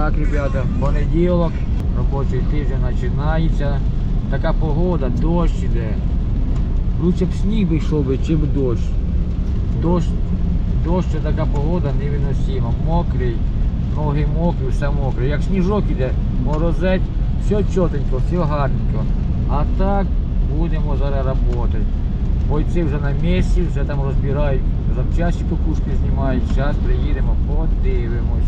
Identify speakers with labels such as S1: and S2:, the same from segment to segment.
S1: так, ребята, понеділок, робочий тиждень починається. Така погода, дощ іде. Лучше б сніг би йшов би, чим дощ. Дощ це така погода невиносима. Мокрий, ноги мокрі, все мокре. Як сніжок іде, морозець, все чотенько, все гарненько. А так будемо зараз працювати. Бойці вже на місці, вже там розбирають, запчасті кукушки знімають. Зараз приїдемо, подивимось.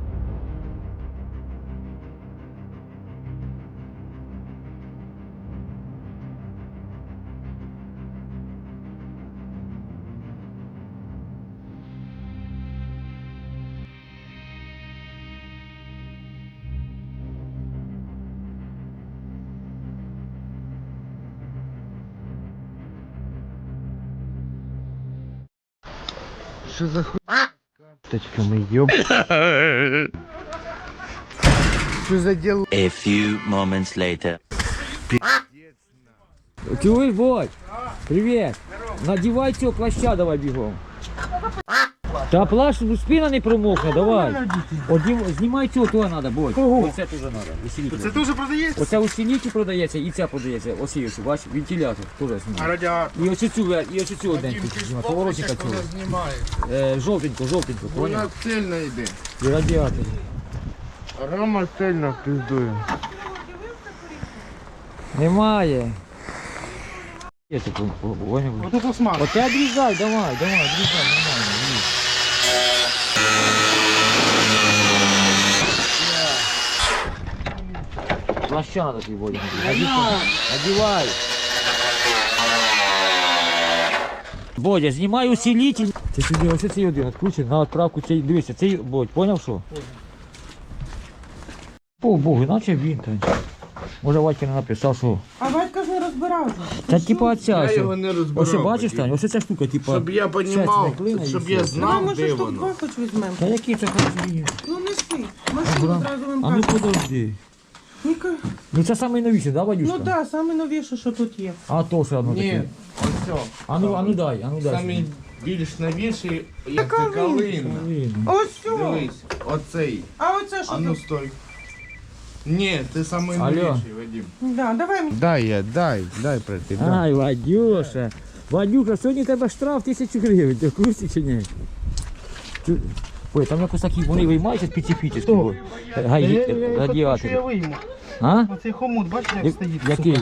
S2: Що за хуй? Точками, ёб. Що за діло?
S3: A few moments later.
S1: Чуєш, Бодь? Привіт. Надівай цього плаща, давай бігом. Та плащ, спина не промокне, давай. Знімай цього, того треба, Бодь. Оце теж треба.
S2: Це теж продається?
S1: Оце усилитель продається і ця продається. Ось є, бач, вентилятор теж
S2: А
S1: знімає.
S2: радіатор?
S1: І ось цю одненьку знімає, поворотника цього. Жовтенько,
S2: Вона
S1: поняв?
S2: сильно йде.
S1: І радіатор.
S2: Рома сильно пиздує.
S1: Немає. Є це, поняв?
S2: Ото посмак.
S1: Оце відрізай, давай, відрізай, нормально. Плаща надо тобі, Бодя. Одівай. Бодя, знімай усилитель. Це сюди, ось цей один відкручений, на відправку цей, дивися, цей, Бодь, поняв що? О, Богу, іначе він там. Може Вадька не написав, що...
S4: А Вадька ж не розбирався.
S1: Це типа оця,
S2: Я
S1: ось.
S2: його не розбирав.
S1: Ось бачиш, Тань, ось ця штука, типа...
S2: Щоб я понімав, щоб я
S4: Давай,
S2: знав,
S4: може,
S2: де
S4: штук
S2: воно.
S4: два хоч візьмемо.
S1: Та який це красивий?
S4: Ну неси. Машину одразу вам
S1: А ну
S4: кажуть.
S1: подожди.
S4: Ніка.
S1: Ну це найновіше, да, Вадюшка?
S4: Ну так, саме новіше, що тут є.
S1: А то все одно
S2: Ні,
S1: таке.
S2: ось.
S1: А ну дай.
S2: Самі більш новіші, як
S4: Така
S2: це калина.
S4: Ось цього.
S2: Дивись, оцей.
S4: А оце що
S2: А ну
S4: тут?
S2: стой. Ні, ти самий
S1: Алло.
S2: новіший, Вадим.
S4: Да, давай мені.
S2: Дай пройти.
S1: Ай, Вадюша. Вадюха, сьогодні у тебе штраф 1000 гривень, ти в курсі чи ні? Ой, там якось такі вони виймаються специфічні. Радіатори.
S2: вийму.
S1: А?
S2: Оцей хомут, бачиш, як стоїть?
S1: Який?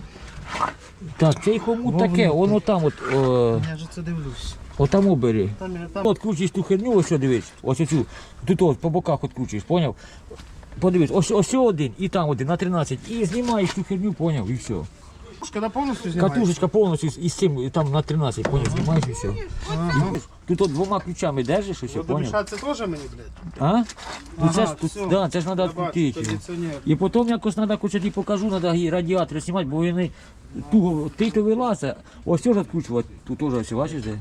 S1: Так, цей хомут таке, воно там от,
S2: Я ж це дивлюсь.
S1: отаму бери.
S2: Там.
S1: Откручуєш ту херню, ось що дивись, ось оцю, тут ось по боках откручуєш, поняв? Подивись, ось один і там один на 13, і знімаєш ту херню, поняв, і все.
S2: Коли повністю знімаєш?
S1: Катушечка повністю із цим, і там на 13, поняв, знімаєш і все. Тут от двома ключами держиш, і все, поняв?
S2: Домішати це теж мені, блядь?
S1: А? Ну це ж,
S2: все.
S1: да, це ж треба відкрутити.
S2: Кондиціонер.
S1: І потім якось треба, хоч я тобі покажу, треба радіатори знімати, бо вони туго, ти вилазить, ось теж відкручувати, тут теж все, бачиш де?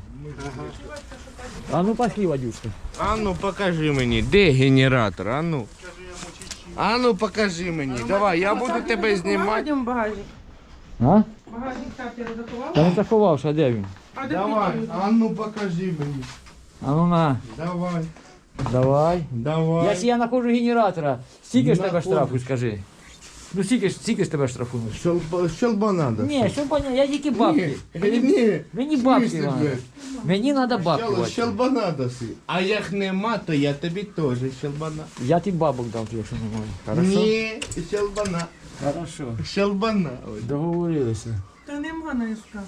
S1: А ну пошли, Вадюшка.
S2: А ну покажи мені, де генератор, а ну. А ну покажи мені, давай, я буду тебе знімати.
S4: Йдемо в багажник.
S1: А?
S4: Багажник так я заховав.
S1: Та не заховався, а де він?
S4: А де
S2: Давай,
S4: ти?
S2: а ну покажи мені.
S1: А ну на,
S2: Давай,
S1: давай.
S2: давай.
S1: Якщо я знаходжу генератора, скільки ж тебе
S2: Знаходиш.
S1: штрафу, скажи? Ну скільки ж тебе штрафують?
S2: Щелба надо.
S1: Ні, що понятно, я тільки бабки.
S2: Ні,
S1: Мені бабки
S2: смислі,
S1: надо.
S2: блядь?
S1: Мені треба бабки. Вадька.
S2: Щелба надо си. А як нема, то я тобі теж щелбана.
S1: Я тобі бабок дам, якщо немає. Хорошо?
S2: Ні, щелбана.
S1: Хорошо.
S2: Щелбана. Ой.
S1: Договорилися.
S4: Та нема на СК.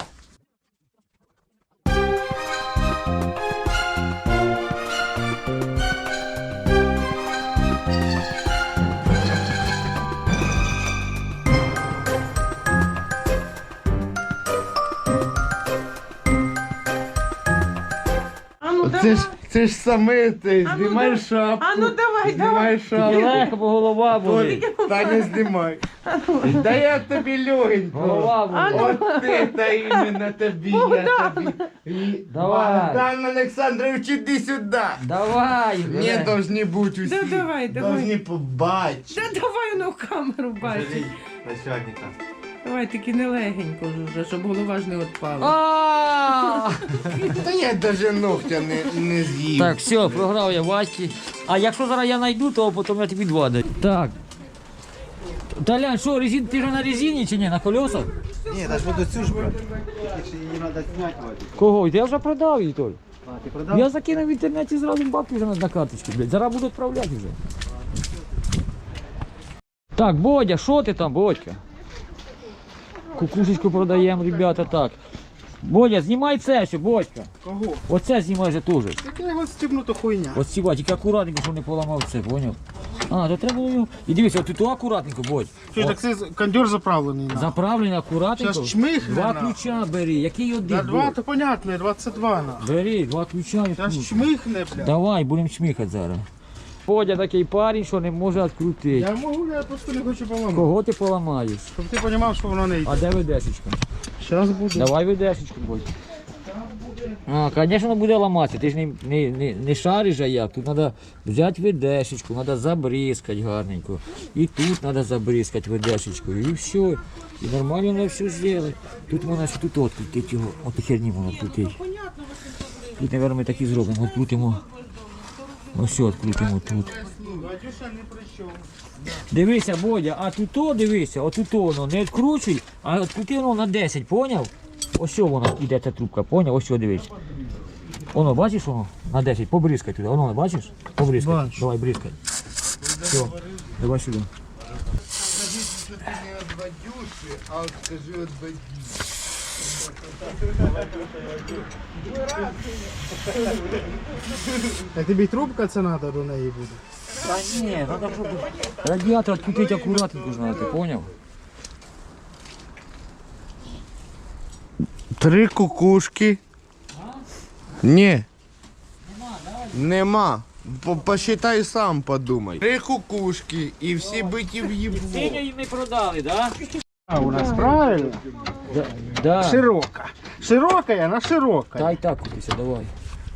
S4: А ну давай.
S2: Це ж саме ти,
S4: А ну
S2: знімай
S4: да-
S2: шапку.
S4: А ну давай,
S2: Знімай
S1: Тільки
S2: шапку.
S1: легко, бо голова болить.
S2: Та не знімай. Да я тобі легенько.
S1: Голова болить.
S2: От ти та іменно тобі, я тобі.
S1: Давай.
S2: Богдан Олександрович, іди сюди.
S1: Давай.
S2: Не должны бути усі.
S4: Да давай.
S2: Должны побачити.
S4: Да давай воно в камеру бачить.
S2: Начальника.
S4: Давай, тільки не легенько вже, щоб голова ж не відпала.
S1: А!
S2: Та я навіть ногтя не з'їв.
S1: Так, все, програв я Васьки. А якщо зараз я знайду, то потім я тобі 2 даю. Так. Толян, що, ти ж на резині чи ні? На колесах?
S5: Ні, даже буду цю ж брати. Якщо її треба зняти, Вадик.
S1: Кого? Я вже продав її, Толь.
S5: А, ти продав?
S1: Я закинув в інтернеті зразу бабки вже на карточку, блядь. Зараз буду відправляти вже. Так, Бодя, що ти там, Бодька? Кукушечку продаємо, ребята, так. Бодя, знімай це ще, Бодька.
S5: Кого?
S1: Оце знімай же теж.
S5: Так я його стібну, то хуйня.
S1: От сіва, тільки акуратненько, щоб не поламав це, поняв? А, то треба було його. І дивися, от тут акуратненько, Бодь.
S5: Що, так це кондьор заправлений на.
S1: Заправлений акуратненько.
S5: Щас чмихне,
S1: 2
S5: на.
S1: ключа бери, який один?
S5: Да, 2,
S1: Бодь?
S5: то понятно, 22 на.
S1: Бери, 2 ключа і
S5: Зараз
S1: ключ.
S5: чмихне, бля.
S1: Давай, будемо чмихати зараз. Бодя такий парень, що не може відкрутити.
S5: Я можу, я просто не хочу поламати.
S1: Кого ти поламаєш?
S5: Щоб ти розумів, що воно не йде.
S1: А де ведешечка?
S5: Зараз буде.
S1: Давай ведешечку, Бодь. А, звісно, буде ламатися. Ти ж не шариш, а як. Тут треба взяти ведешечку, треба забризкати гарненько. І тут треба забризкати ведешечку. І все. І нормально воно все зробити. Тут можна ще тут відкрутити його. От херні можна відкрутити. Тут, мабуть, ми так і зробимо. Відкрутимо. Ось все відкрутимо тут.
S5: Вадюша не при чому.
S1: Дивися, Бодя, а тут дивися, отут воно не відкручуй, а відкрути воно на 10, поняв? Ось що воно йде ця трубка, поняв? Ось що дивись. Воно, бачиш воно? На 10, побризкай туди, воно, бачиш? Побризкай.
S5: Бачу.
S1: Давай, бризкай. Все, давай сюди.
S2: Скажи, що ти не від Вадюші, а от скажи від Вадюші.
S5: Так тобі трубка це треба до неї буде.
S1: Та ні, треба, щоб радіатор відкрутити акуратненько знати, поняв?
S2: 3 кукушки. Ні. Нема. Посчитай сам, подумай. 3 кукушки і всі биті в їбло.
S1: Синю їм не продали, так?
S5: А у нас правильно?
S1: Да.
S5: Широка. Широка, вона широка.
S1: Та й так купися, давай.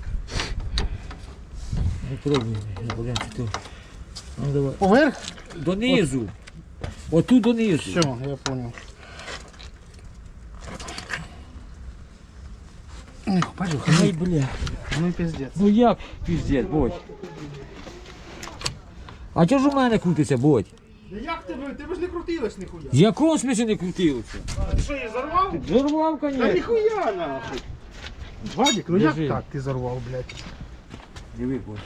S1: Не пробуй, я будем тут. Ну давай.
S5: Поверх?
S1: Донизу. Отут донизу.
S5: Все, я понял. Эх, пойду,
S1: Ай, бля.
S5: ну пиздец.
S1: Ну як піздець, Бодь? А чого ж у мене крутиться, Бодь?
S5: Да як тебе ж не крутилось ніхуя.
S1: В якому смислі не крутилося?
S5: Ти що, її зарвав?
S1: Зорвав,
S5: Та
S1: конечно.
S5: ніхуя нахуй. Вадик, ну як
S1: Держи.
S5: так ти зарвав, блядь?
S1: Диви, Бодь.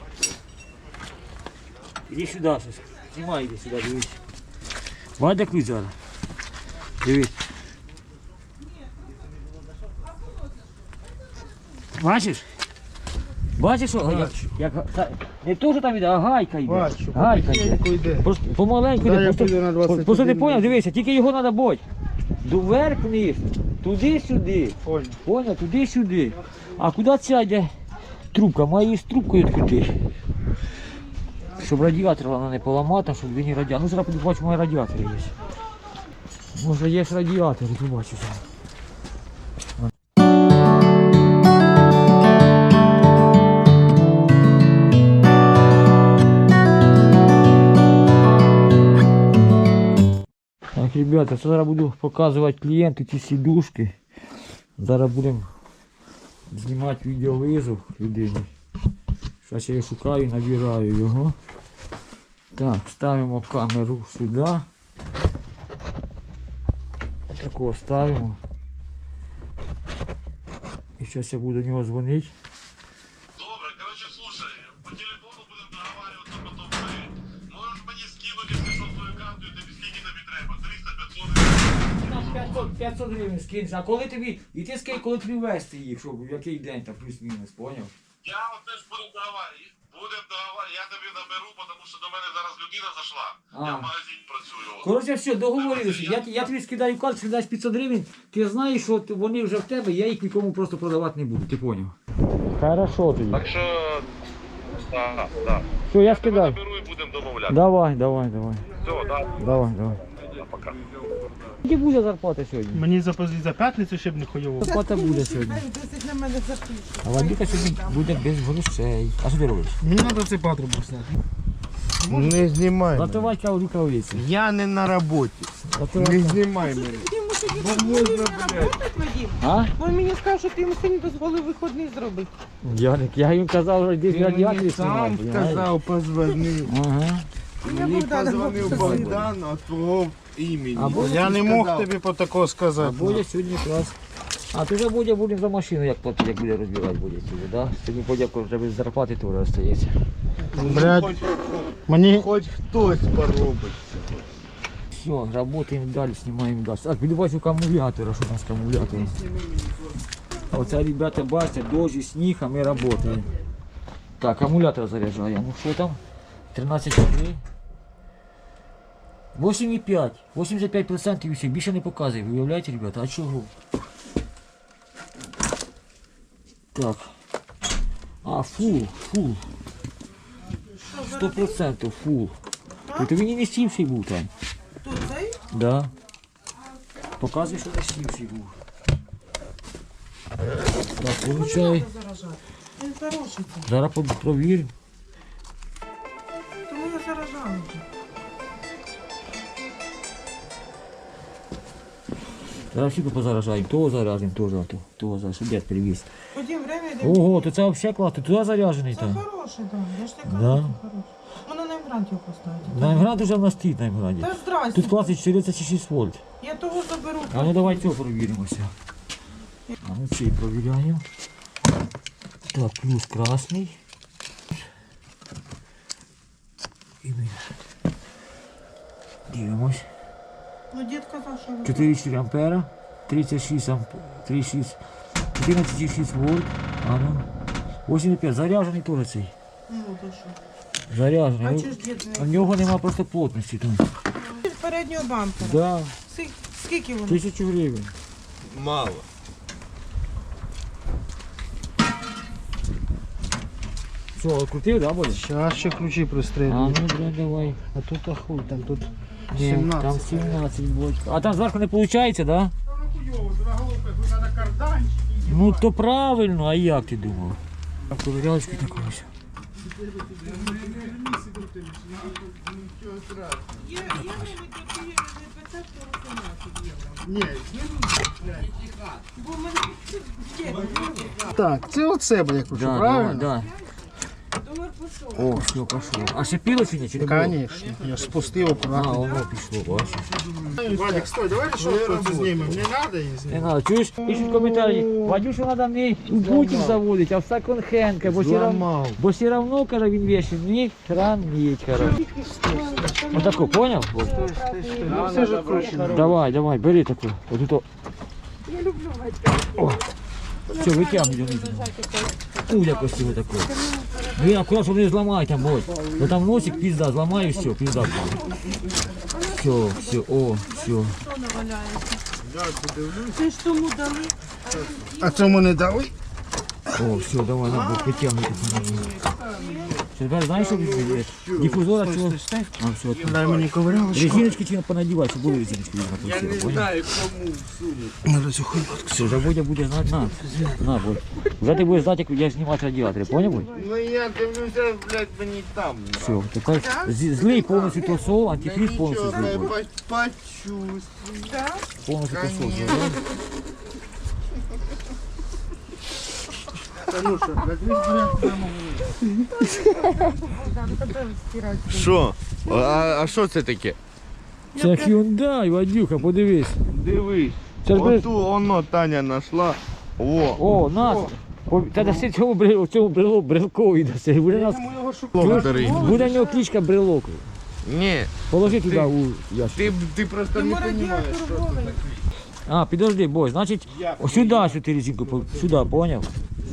S1: Іди сюди, щось. Знімай, іди сюди, дивись. Бачиш, ключ зараз. Дивись. Бачиш? Бачиш, що? Не то, що там іде, а гайка йде.
S5: Бачу,
S1: Гайка йде.
S5: потихеньку йде.
S1: Просто помаленьку
S5: Да,
S1: йде.
S5: я
S1: Просто,
S5: піду на 21
S1: просто ти поняв,
S5: минут.
S1: дивися, тільки його треба бути. Вверх вниз, туди-сюди.
S5: Понял.
S1: Поняв, туди-сюди. А куди ця йде трубка? Має її з трубкою відкрути. Щоб радіатор вона не поламати, щоб він не радіатор. Ну зараз побачу, мої радіатори є. Може є ж радіатор, побачу зараз. Так, ребята, зараз буду показувати клієнту ці сідушки. Зараз будемо знімати відеовизов людині. Зараз я його шукаю, набираю його. Так, ставимо камеру сюди. Такого ставимо. І зараз я буду до нього дзвонити.
S6: Добре, короче, слушай, по телефону будем договариваться потом. Можешь мне скинуть, если что, свою карту, и тебе скільки тобі треба? 300-500 гривень.
S1: 500 гривень скинеш, а коли тобі, і ти скинь, коли тобі вести їх, щоб в який день там плюс-мінус, поняв?
S6: Я от теж будем договаривати. Я тобі наберу, тому що до мене зараз людина зайшла. Я в магазині працюю.
S1: Коротше, все, договорилися. Я тобі скидаю карту, дасть 500 гривень, ти знаєш, що вони вже в тебе, я їх нікому просто продавати не буду, ти поняв? Хорошо тоді.
S6: Так що, так.
S1: Все, я скидаю.
S6: Наберу і будемо домовляти.
S1: Давай.
S6: Все, так.
S1: Давай.
S6: Пока.
S1: Скільки буде зарплата сьогодні?
S5: Мені за п'ятницю ще б не хуйово.
S1: Зарплата буде сьогодні.
S4: Досить на мене запишуть.
S1: А Вадюка сьогодні буде без грошей. А що ти робиш?
S5: Мені треба цей патрубок зняти.
S2: Не знімай мене.
S1: Готувати рукавиці.
S2: Я не на роботі. Не знімай мене.
S4: Йому
S1: А?
S4: Він мені сказав, що ти йому сьогодні дозволив виходний зробити.
S1: Я їм казав, що десь радіатори
S2: Сам
S1: знімати.
S2: сказав, позвонив.
S1: Ага.
S2: Мені позвонив Богдан от твого імені.
S1: Або
S5: Я не мог
S2: Сказав.
S5: тобі по такого
S1: А
S5: сказати.
S1: буде сьогодні якраз. А ти вже будемо за машину, як платити, як буде розбирати буде сьогодні, да? Сьогодні подяку вже без зарплати теж остається.
S5: Блядь, мені
S2: Хоч хтось поробить.
S1: Все, работаем далі, знімаємо далі. Так, підбачу акумулятора, що у нас акумулятор. А оце, ребята, бачите, дощ і сніг, а ми працюємо. Так, акумулятор заряджаємо. Ну що там? 13,3. 8,5. 85% і все. Більше не показує. Ви уявляєте, ребята? А чого? Так. А, фул. 100% фул. Тобто він і не сівший був там.
S4: Тут цей?
S1: Да. Показує, що не сівший був. Так, получай.
S4: Він хороший цей.
S1: Зараз провірю.
S4: Тому я заражала вже.
S1: Зараз всі позаражаємо. Того заражаємо, того заражаємо, щоб дед привіз.
S4: Ходім, время йде.
S1: Ого, то це взагалі класно. Туди заряджений
S4: Це
S1: там.
S4: хороший, так. Я ж так кажу,
S1: Да.
S4: це хороший. Мене на імгрант його поставити.
S1: На Імгрант вже в нас стоїть на Імгранті.
S4: Та здрасте.
S1: Тут класить 46 вольт.
S4: Я того заберу.
S1: А ну давай цього провіримося. А ну цей провіряємо. Так, плюс красний. І ми дивимось.
S4: Ну, дід казав, що...
S1: 4,4 ампера, 36 36, 14,6 вольт, а ну, 8,5, заряджений теж цей,
S4: Ну, то що?
S1: заряджений.
S4: А
S1: Ну,
S4: чого ж дід
S1: у
S4: не...
S1: нього нема просто плотності там.
S4: З переднього бампера.
S1: Да,
S4: Скільки воно?
S1: 1000 гривень.
S2: Мало.
S1: Що, відкрутив, да, буде?
S5: Щас ще ключі
S1: А
S5: пристрелю.
S1: ну, да, давай.
S5: А тут ахуй, там тут
S1: Ні,
S5: 17.
S1: там 17 вольт. А там зверху не виходить, да? Ну, то правильно, а як ти думав? Ковирялочки такої.
S5: Так, це от себе я кручу,
S1: Да,
S5: правильно?
S1: да. О, все, пошло. А шипіло чи ні? Чи не було?
S5: Конечно, я ж спустив
S1: А,
S5: акуратно.
S1: воно пішло, бачиш.
S5: Вадик, стой, давай решетку знімемо. Не надо її знімати.
S1: Не надо, чуєш? Пишуть коментарі, Вадюшу треба не у Путін заводити, а в секонд-хенд, бо все равно, каже, він вещи не хранить, короче. Отаку, понял?
S5: Все ж кручено.
S1: Давай, давай, бери таку. Отут. Я люблю Вадька. Все, витягнуй. Якось його таку. Ви аккурат, щоб не зламай там, ось. Бо там носик, пізда, зламай і все, пізда буде. Все, о, все.
S4: Ти ж тому дали?
S5: А цьому не дали?
S1: О, все, давай, надо витягнути. Тепер знаєш, що відбуваєш? Дифузора цього. А, все,
S5: Дай мені ковирялочку.
S1: резиночки чи понадівай, щоб були резиночки.
S2: Я не знаю, кому всунути.
S5: Надо цю хуйню.
S1: Все, вже Бодя буде знати, на, Бодь. Вже ти будеш знати, як я знімати радіатори, поняв, Бодь?
S2: Ну я дивлюся, блядь, мені там.
S1: Все, тепер злий повністю тосол, антифриз повністю
S2: Нічого,
S1: злий, Бодь.
S2: почувствую.
S1: Повністю тосол.
S2: Конечно.
S1: злий.
S2: Що? А що це таке?
S1: Це Hyundai, Вадюха, подивись.
S2: Дивись.
S1: Це ж без...
S2: Оту воно Таня знайшла. О,
S1: О, нас. Та даси цьому брелкові даси. Буде нас...
S2: благодари.
S1: Буде в нього кличка брелок.
S2: Ні,
S1: Положи туди у ящик.
S2: ти просто не розумієш, що це таке.
S1: А, підожди, бой, значить, сюди ти резинку, сюди, поняв?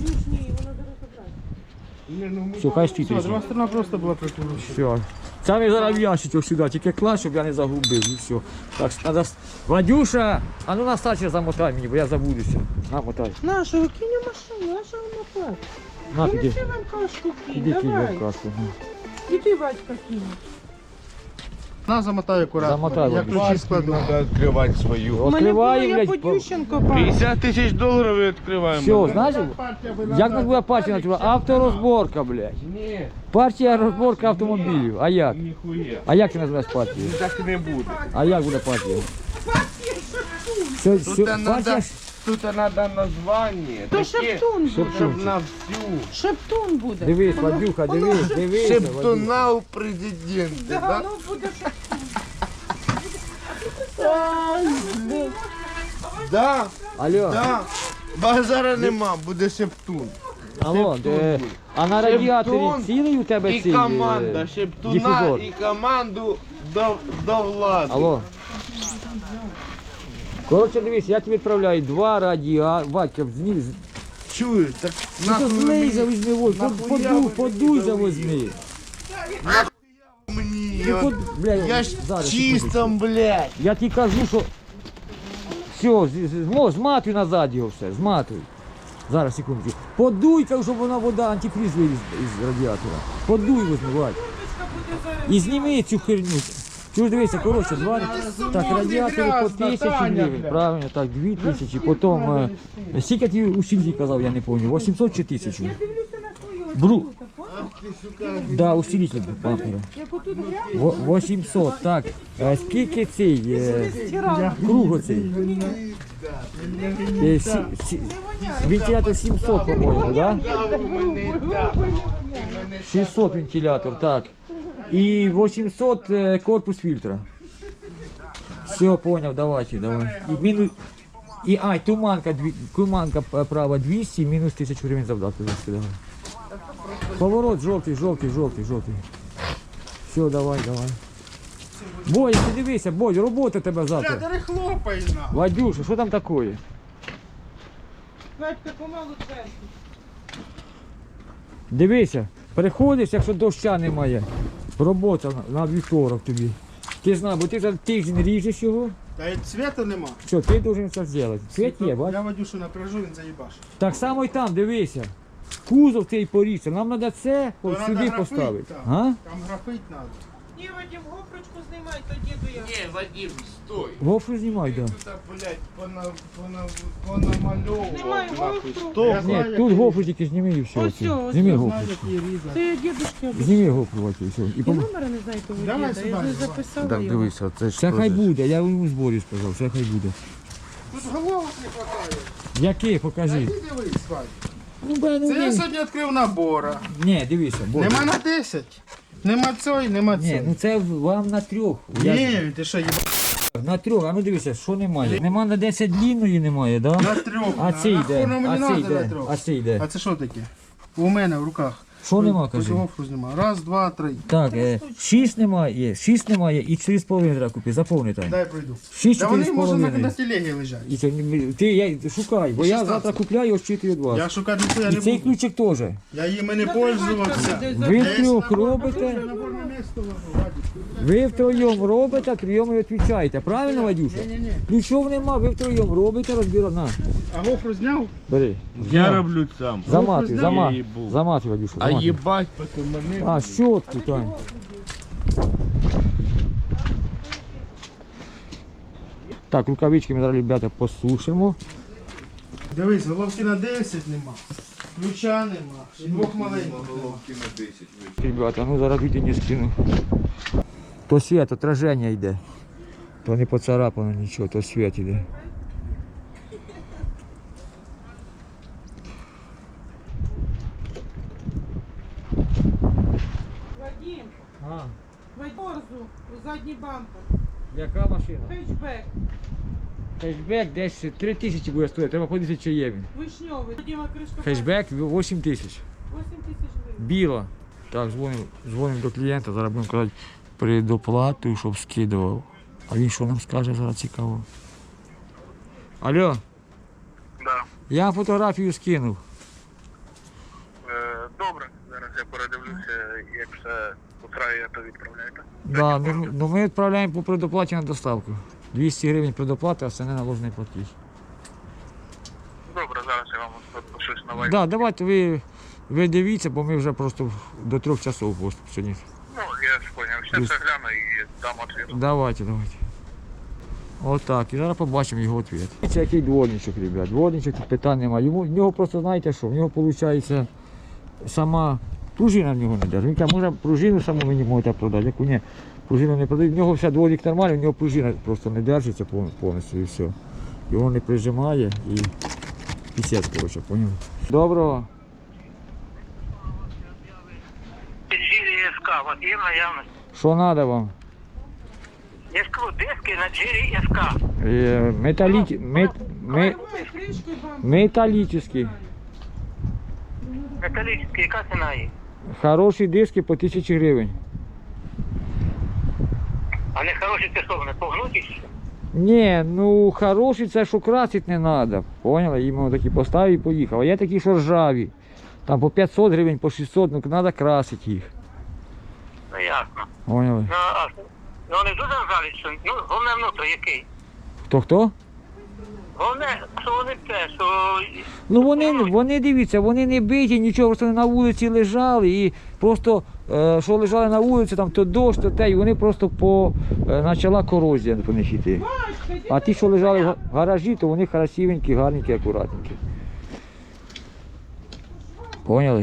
S1: Все, хай стоїть резинка.
S5: Друга сторона просто була прикручена.
S1: Все. Це ми зараз в ящичок сюди, тільки клас, щоб я не загубив, і все. Так, надо... Вадюша, а ну на старче замотай мені, бо я забудуся. На, мотай.
S4: На, що ви кинь у машину, а що ви наплати?
S1: На, піди.
S4: Ти нам кашку кинь,
S1: Іди кинь
S4: давай.
S1: в каску.
S4: І ти, Вадька, кинь.
S5: На, замотай акуратно.
S1: Замотай,
S5: Я
S1: Вадик.
S5: ключі складу.
S2: Треба відкривати свою.
S1: Відкривай,
S4: я
S1: блядь.
S4: Подющенко пав.
S2: 50 тисяч доларів і відкриваємо.
S1: Все, знаєш, як нас буде партія називати? Авторозборка, блядь.
S2: Ні,
S1: Партія розборка автомобілів. А як?
S2: ніхуя.
S1: А як ти називаєш партію?
S2: Так не буде.
S1: А як буде партія?
S4: Партія шатун.
S1: Все,
S2: Тут
S1: все,
S2: надо,
S1: бачиш?
S2: тут надо название.
S4: То
S2: таке,
S4: шептун буде.
S2: щоб на всю.
S4: Шептун буде.
S1: Дивись, Вадюха, дивись, дивись. Вадюха.
S2: Шептуна у президента,
S4: Да,
S2: да?
S4: ну буде шептун.
S2: Да,
S1: Алло,
S2: да. Базара нема, буде шептун.
S1: алло,
S2: Шептун.
S1: а на радіаторі
S2: Шептун
S1: цілий у тебе
S2: І
S1: цей
S2: команда Шептуна,
S1: дифузор?
S2: і команду до влади.
S1: Алло. Коротше, дивись, я тобі відправляю 2 радіатори. Вадька,
S2: Чуєш, так
S1: ну то злий завізьми,
S2: нахуя ви
S1: подуй
S2: мені
S1: завозьми.
S2: мені?
S1: Ти
S2: от,
S1: под- бля,
S2: Я ж
S1: зараз,
S2: чистом, блядь.
S1: Я тобі кажу, що все, зматуй назад його все, зматуй. Зараз, секундочку. Подуй, кажу, щоб вона вода, антифриз виліз із радіатора. Подуй возьми, Вадь. І зніми цю херню. Чуєш, дивися, коротше, 2, так, радіатори по 1000 гривень, правильно, так, 2000, потім, скільки ти у Сільзі казав, я не пам'ятаю, 800 чи 1000?
S4: Дивлюся на свою.
S1: Бру. Да, усилитель пампера.
S4: Як отут грязно,
S1: 800, так. Скільки цей,
S4: стирала.
S1: круг оцей? Вентилятор 700, по-моєму, да? 600 вентилятор, так. І 800 корпус фільтра. Все, понял, давайте, давай. І мінус... І, туманка права 200, мінус 1000 гривень завдатку. Давай. Поворот жовтий. Все, давай. Бодя, ти дивися, Бодя, робота тебе завтра.
S5: Ти хлопай на.
S1: Вадюша, що там таке?
S4: Батька помалу чесно.
S1: Дивися, приходиш, якщо доща немає. Робота на вівторок тобі. Ти знаєш, бо ти за тиждень ріжеш його.
S5: Та й цвіту нема.
S1: Що, ти повинен це зробити. Цвіт є, бач?
S5: Я Вадюшу напряжу, він заїбаш.
S1: Так само і там, дивися. Кузов цей поріжся. Нам треба це
S5: То
S1: от
S5: надо
S1: сюди
S5: графит,
S1: поставити.
S5: так.
S1: А?
S5: Там графить треба.
S4: Ні, Вадим, гофрочку знімай, то діду я.
S2: Не, Вадим, стой.
S1: Гофру знімай, так. Да.
S2: Тут, блядь, понамальовував,
S4: Знімай
S2: нахуй.
S4: гофру.
S2: Стоп.
S5: Я знаю,
S1: Ні, тут гофру тільки зніми і все.
S4: Ось
S1: оце.
S4: цього, ось
S1: Зніми
S4: цього.
S1: гофру.
S5: Знаю, який різати.
S4: Це я дідушки обіцяла.
S1: Зніми гофру, Ватю, і все. І
S4: Я
S1: пом...
S4: номера не знаю того
S5: Давай
S4: діда, я
S5: сюди,
S4: вже
S5: давай.
S4: записала
S2: Так,
S4: його.
S2: дивися, це ж
S1: Це хай буде, я у зборі сказав, це хай буде.
S5: Тут головок не хватає.
S1: Який, покажи.
S5: Ти дивись, Вадь.
S1: Ну, бе, ну,
S5: Це я
S1: ні.
S5: сьогодні відкрив набора.
S1: Ні, дивися, Бодя.
S5: Нема на 10. Нема цього, нема
S1: Ні,
S5: цього.
S1: ну це вам на 3.
S5: Ні, ти що, їбаш?
S1: На 3, а ну дивися, що немає. Нема на 10 длинної немає, да?
S5: На 3.
S1: А цей йде,
S5: мені
S1: а цей
S5: надо на
S1: йде,
S5: 3.
S1: а цей йде.
S5: А це що таке? У мене в руках.
S1: Що нема,
S5: Ось
S1: кажи?
S5: гофру знімаю. Раз, два, три.
S1: Так, 6 немає, 6 немає і 4,5 треба купити, запам'ятай.
S5: Дай пройду.
S1: 6,
S5: Та вони може на
S1: 4,5.
S5: телегі лежать.
S1: І це, шукай, бо я
S5: 16.
S1: завтра купляю, ощитую від вас.
S5: Я шукати ніхуя
S1: І
S5: не
S1: цей
S5: буду.
S1: ключик теж.
S5: Я їм і не пользувався.
S1: Ви втрьох робите,
S5: Наборне місто ложу, Вадик.
S1: ви втроєм робите, втроєм і відповідаєте. Правильно, Вадюша?
S5: Ні-ні-ні.
S1: Ключов нема, ви втроєм робите, розбираєте. На,
S5: А гофру зняв?
S1: бери.
S2: Я роблю сам.
S1: Заматуй,
S5: знаю.
S1: заматуй, Вадюша,
S2: А
S1: заматуй.
S2: їбать, потім мене.
S1: А, щотку, Тань. Так, рукавички ми зараз, ребята, посушимо.
S5: Дивись, головки на 10 нема. Ключа нема. І двох маленьких нема.
S1: Ребята, ну зараз не скину. То світ, отраження йде. То не поцарапано нічого, то світ йде.
S4: Вадим,
S1: А,
S4: Вадорзу, задній бампер,
S1: яка машина?
S4: хетчбек,
S1: Хешбек десь 3 тисячі буде стоїти, треба подивитися, чи є він.
S4: вишньовий. Вадима кришка.
S1: Хешбек 8 тисяч.
S4: 8 тисяч гривень.
S1: Біла. Так, дзвонимо до клієнта, зараз будемо казати предоплату, щоб скидував. А він що нам скаже, зараз цікаво. Алло,
S6: Да.
S1: я фотографію скинув.
S6: Добре, зараз я передивлюся, як все устраює, то відправляєте.
S1: Да, ну ми відправляємо по предоплаті на доставку. 200 гривень предоплати, а це не наложений платіж.
S6: Добре, зараз я вам підпишусь на вайб.
S1: Да, давайте ви дивіться, бо ми вже просто до 3 часов сьогодні.
S6: Ну, я ж поняв. Ще все гляну і дам ответ.
S1: Давайте. Отак, і зараз побачимо його відповідь. Це який дворничок, ребят. Дворничок, тут питань немає. В нього просто, знаєте що, в нього виходить сама пружина в нього не держить. Він каже, може пружину саму мені можете продати, яку ні, пружину не продають. В нього вся дворник нормальний, в нього пружина просто не держиться повністю і все. Його не прижимає і пісець, коротше, поняв. Доброго.
S7: Джирі СК, у вас є в наявності?
S1: Що треба вам?
S7: Я ж кажу, диски на Джирі СК.
S4: Давай кришку і бампер.
S1: Металлический.
S7: Металічні, яка ціна їх?
S1: Хороші диски по 1000 гривень.
S7: А не хороші це що, вони погнуті? Чи що?
S1: Ні, ну хороші це що красити не треба. Поняли? Їм такі поставив і поїхав. А є такі, що ржаві. Там по 500 гривень, по 600, ну треба красити їх.
S7: Ну ясно.
S1: Поняли?
S7: Ну вони дуже ржаві, що, ну, головне внутрі який?
S1: Хто?
S7: Головне, що вони те, що...
S1: Ну вони дивіться, вони не биті, нічого, просто вони на вулиці лежали і просто, що лежали на вулиці, там то дощ, то те, і вони просто почала корозія по них йти. А ті, що лежали в гаражі, то вони красивенькі, гарненькі, акуратненькі. Поняли?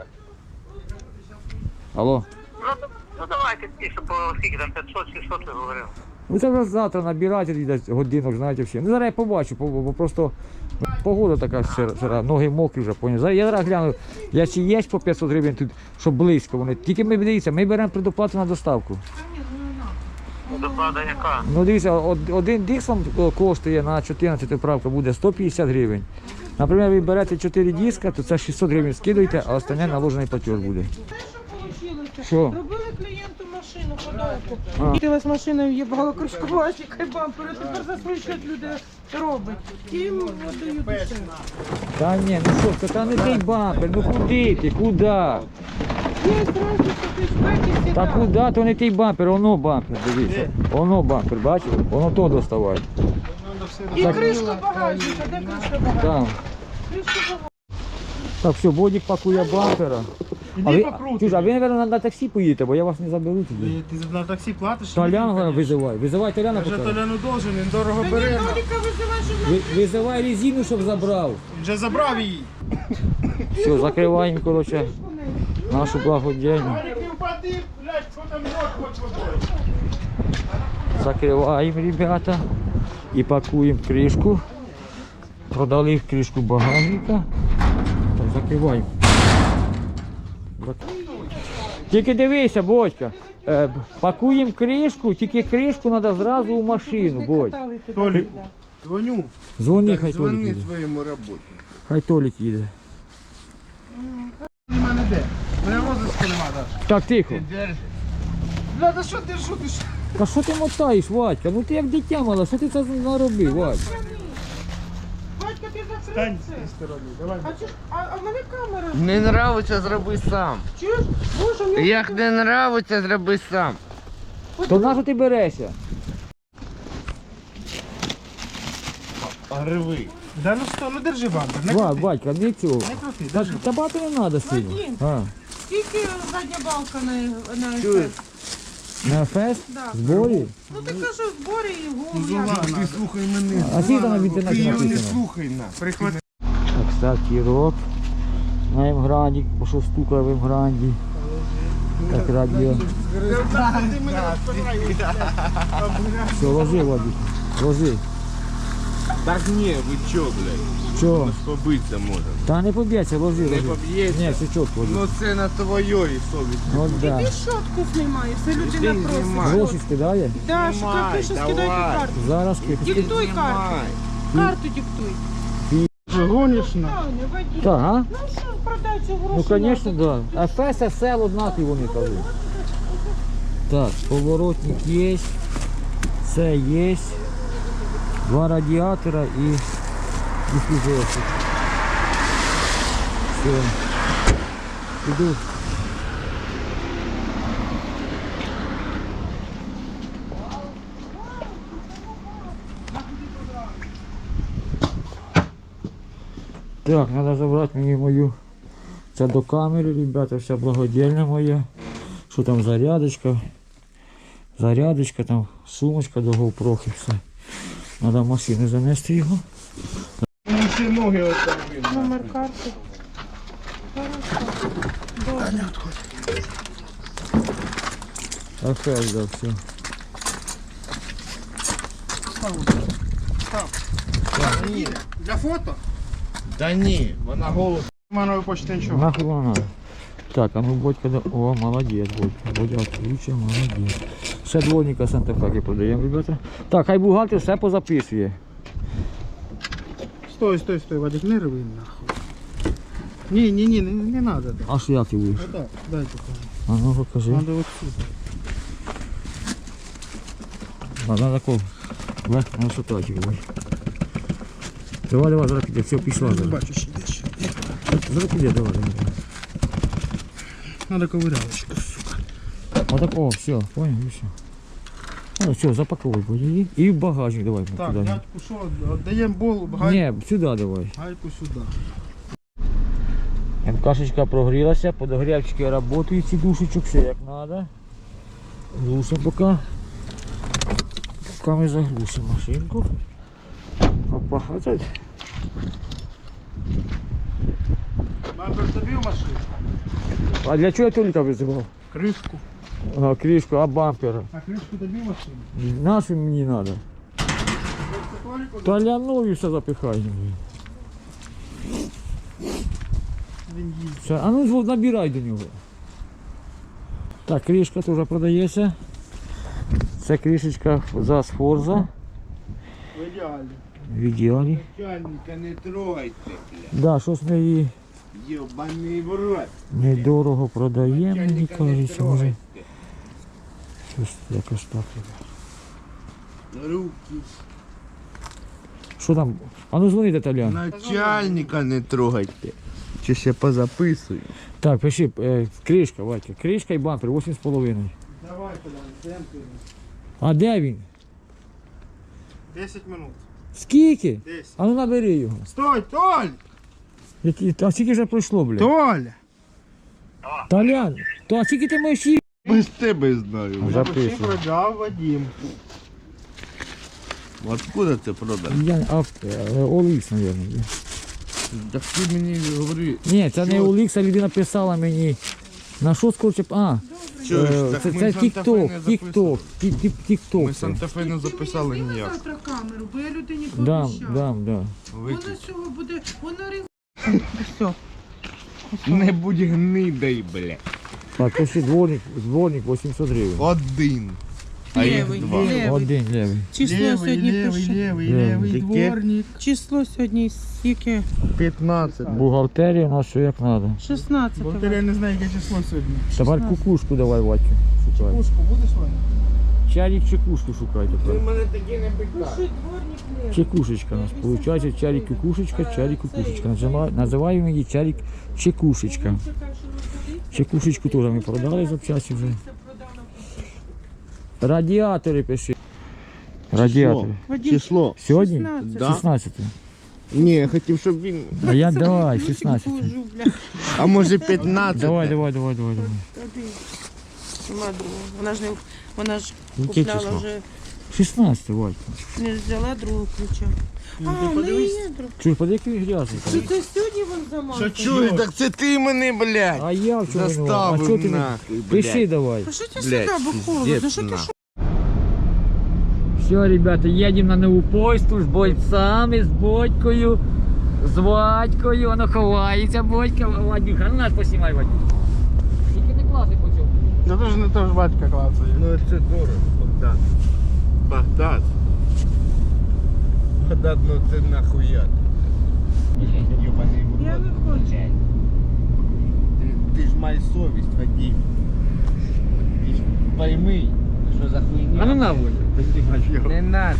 S1: Алло?
S7: Ну давайте ті, що по скільки там 500-600 ви говорили.
S1: Ну це вже завтра набирати десь годинок, знаєте, всі. Ну зараз я побачу, бо просто погода така сира, ноги мокрі вже, поняв. Зараз я зараз гляну, якщо є по 500 гривень тут, щоб близько вони. Тільки ми дивіться, ми беремо предоплату на доставку.
S7: Доплата яка?
S1: Ну дивіться, один диск вам коштує на 14 правка буде 150 гривень. Наприклад, ви берете 4 диска, то це 600 гривень скидуєте, а останнє наложений платеж буде. Що?
S4: Робили клієнту машину подовку. Їхала з машиною, їбала кришку пластика і бампер. Тепер за свій счет люди робить. І їм дають дешевше.
S1: Та ні, ну що, це не той бампер, ну куди ти, куди?
S4: Є зразу, що ти шпеки
S1: Та куди, то не той бампер, воно бампер, дивіться. Воно бампер, бачите? Воно то доставай.
S4: І кришку багажника, де кришка багажника?
S1: Там.
S4: Кришку багажника.
S1: Так, все, Бодік пакує бампера.
S5: Іди покрути.
S1: Чуж, а ви, мабуть, на таксі поїдете, бо я вас не заберу тоді.
S5: Ти на таксі платиш?
S1: Толяна визивай. Визивай Толяна
S5: Вже
S1: поки.
S5: Толяну должен, він дорого
S4: Та ні,
S5: бере.
S4: Толіка визивай, щоб на
S1: Визивай резину, щоб забрав.
S5: Він вже забрав її.
S1: Все, закриваємо, коротше, нашу благодійну.
S5: Ти впади, блядь, що там рот хоч водою.
S1: Закриваємо, ребята, і пакуємо кришку. Продали кришку багажника. Так, закриваємо. Тільки дивися, Бодька, пакуємо кришку, тільки кришку треба зразу у машину, Бодь.
S4: катали тебе.
S5: Толік, дзвоню.
S1: Дзвони, хай Толік
S2: Звони
S1: їде.
S2: своєму роботі.
S1: Хай Толік їде.
S5: Нема не де. Мене розиску нема, Даш.
S1: Так, тихо.
S5: Бля, та що ти шутиш?
S1: Та що ти мотаєш, Вадька? Ну ти як дитя мала, що ти це наробив, Вадь?
S4: Батько, ти
S5: Стань
S4: закрив
S5: з
S4: це.
S5: цієї сторони, давай.
S4: А чого ж- а в мене камера.
S2: Не нравиться, зроби сам.
S4: Чуєш? Боже, в мене
S2: Як не нравиться, зроби сам.
S1: То на що ти берешся?
S2: Гриви.
S5: Да ну що, ну держи бампер, не крути.
S1: Вадька, не цього.
S5: Не крути,
S1: Та,
S5: держи.
S1: та багато не треба сильно.
S4: Вадим.
S1: А,
S4: скільки задня балка на
S2: Чуєш?
S4: ефект?
S1: на фест?
S4: Да.
S1: Зборі?
S4: Ну ти кажеш, в зборі і гум.
S5: Зула,
S2: Ти слухай мене.
S1: А скільки там в
S2: Ти
S1: інтернеті
S2: його не
S1: написано?
S2: слухай на.
S5: Прихвати.
S1: Так, кстати, рок на Емгранді, бо що стукає в Емгранді. Так, радіо.
S5: Ти мене розпираєш.
S1: Все, ложи, Вадик, ложи.
S2: Так ні, ви чо, блядь?
S1: Що?
S2: Побиться може.
S1: Та не поб'ється, ложи, ложи.
S2: поб'ється?
S1: Ні, все чітко ложи.
S2: Ну це на твоєї совісті.
S1: Ну, да.
S4: Ти щотку знімаєш, це людина
S2: Ти
S4: просить.
S2: знімай.
S1: Гроші скидає?
S4: Да,
S2: Знімай,
S4: капіше скидай під
S2: давай.
S4: карту.
S1: Зараз
S4: Диктуй карту.
S2: Знімай.
S4: Карту диктуй.
S5: Гониш на.
S4: Таня, Вадим.
S1: Так, а?
S4: Ну що, продай цю гроші.
S1: Ну, звісно, так. Да. А фест, сел однакові вони кажуть. Так, поворотник є, це є, два радіатора і дифузорчик. Все. Іду. Так, треба забрати мені мою. Це до камери, ребята, вся благодійна моя. Що там зарядочка? Зарядочка, там сумочка до GoPro, все. Треба в машину занести його.
S5: Мені всі ноги отак.
S4: Номер карти.
S1: Афель, да, все.
S5: Їде. Для фото?
S2: Та ні, вона голос.
S5: Манової почти нічого.
S1: Нахуй воно надо. Так, а ну Бодька, о, молодець, Бодька. Бодя отлично, молодець. Ще дворника Санта-Фе продаємо, ребята. Так, хай бухгалтер все позаписує.
S5: Стой, Вадик, не рви нахуй. Ні, не надо. Да.
S1: А що як ти будеш?
S5: Отак, дай покажу.
S1: А ну покажи.
S5: Надо вот сюда.
S1: Надо такого. Ну що так, давай. Давай, зараз піде, все, пішла.
S5: Не
S1: Зараз,
S5: бачу ще десь.
S1: зараз піде, давай.
S5: Надо ковирялочку, сука.
S1: Отак, о, все, понял, і все. Ну, все, запаковуй, Бодя, і в багажник давай.
S5: Так,
S1: туди.
S5: дядьку що, віддаємо болу,
S1: Ні, сюди давай.
S5: гайку сюди.
S1: МКшечка прогрілася, подогрівчики працюють, ці душечок, все як треба. Глушимо поки. Поки ми заглушимо машинку. Опа, оце.
S5: Бампер тобі в машину?
S1: А для чого я Толіка визивав?
S5: Кришку.
S1: А, кришку, а бампера?
S5: А кришку тобі в машину?
S1: Нашу мені треба. Та лянові все запихай.
S5: Він їздить.
S1: Все, а ну набирай до нього. Так, кришка теж продається. Це кришечка за Сфорза.
S5: В ідеалі.
S1: В ідеалі.
S2: Начальника не трогайте,
S1: Да, щось ми її
S2: йобаний в рот.
S1: недорого продаємо, мені
S2: Начальника не
S1: кажеться, може.
S2: трогайте.
S1: Щось якось так.
S2: Руки.
S1: Що там? А ну дзвони Толян.
S2: Начальника не трогайте. Чи ще позаписую?
S1: Так, пиши, кришка, Ватька. Кришка і бампер 8,5.
S5: Давай туди, темпи.
S1: А де він?
S5: 10 минут.
S1: Скільки?
S5: 10.
S1: А ну набери його.
S5: Стой, Толь!
S1: А скільки вже пройшло, блядь?
S5: Толя!
S1: Толян, то а скільки ти маєш їх?
S2: Без тебе знаю.
S1: Записуй.
S5: Продав Вадим.
S2: Откуда ти продав?
S1: Олікс, мабуть.
S2: Так ти мені говори.
S1: Ні, це не Олікс, а людина писала мені. На що скорче? А,
S2: Чуєш, так
S1: це
S2: ми
S1: це
S2: Санта-Фе
S1: Тік-Ток,
S2: не
S1: Тік-Ток, Тік-Ток.
S2: Ми Санта-Фе не записали ніяк.
S4: Завтра камеру, бо я людині
S1: Дам,
S4: пообіцяла.
S1: дам.
S4: Вона з цього буде, вона регулює. Все.
S2: Не будь гнидай, бля.
S1: Так, пиши дворник 800 гривень.
S2: Один. А їх
S4: Левий,
S2: два.
S4: левий.
S1: Один левий.
S4: Число сьогодні пише.
S1: Левий.
S5: дворник.
S4: Число сьогодні яке?
S2: 15.
S1: Бухгалтерія у нас все як треба.
S4: 16.
S5: Бо я не знаю, яке число сьогодні.
S1: Тепер кукушку давай, Ватю, шукай.
S5: Пушку будеш Ваня?
S1: Чарік чекушку шукай тепер.
S2: мене такі не питаєш.
S4: Пиши дворник левий.
S1: Чекушечка у нас. Получається чарік кукушечка, чарік кукушечка. Називаємо її чарік чекушечка. Чекушечку теж ми продали запчасті вже. Радіатори пиши. Радіатори.
S2: Число.
S1: Сьогодні?
S4: 16.
S2: Да.
S1: 16.
S2: Ні, я хотів, щоб він.
S1: А я давай, 16.
S4: Положу, бля.
S2: А може 15.
S1: Давай.
S4: Нема другого. Вона ж
S1: Яке
S4: купляла
S1: число?
S4: вже,
S1: 16, Валька.
S4: не взяла другого ключа. А, в неї є друг.
S1: Чуєш, поди який грязний.
S4: Що це сьогодні він замазав?
S2: Чуєш, так це ти мене, блядь.
S1: А я в чому винуват? А
S2: Заставив
S1: чого ти не...
S2: нахуй,
S1: Пиши
S2: блядь.
S1: давай.
S4: Пишіть
S2: Блядь,
S4: сюди, бо холодно.
S2: пиздец
S4: Що ти
S2: нахуй.
S4: що?
S1: Все, ребята, едем на нову почту з бойцами, з Бодькою, з Вадькою. Воно ховається, Бодька. Вадюха, ну нас поснімай, Вадюха. Тільки не класи по цьому.
S5: Ну то ж не то ж батька клацає.
S2: Ну це дорого, Богдан. Богдан. Богдан, ну це нахуя. Йобаний в
S4: Я
S2: рот.
S4: не хочу.
S2: Ти ж маєш совість, Вадим. Ти ж пойми, що за хуйня.
S1: А ну на, Бодя.
S2: Не надо.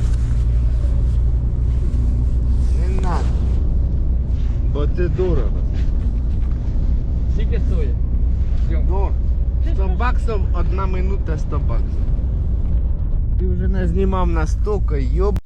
S2: Не надо. Бо це дорого.
S1: Скільки стоїть?
S2: Дорого. 100 баксів, 1 минута 100 баксів. Ти вже не знімав настільки, йоб.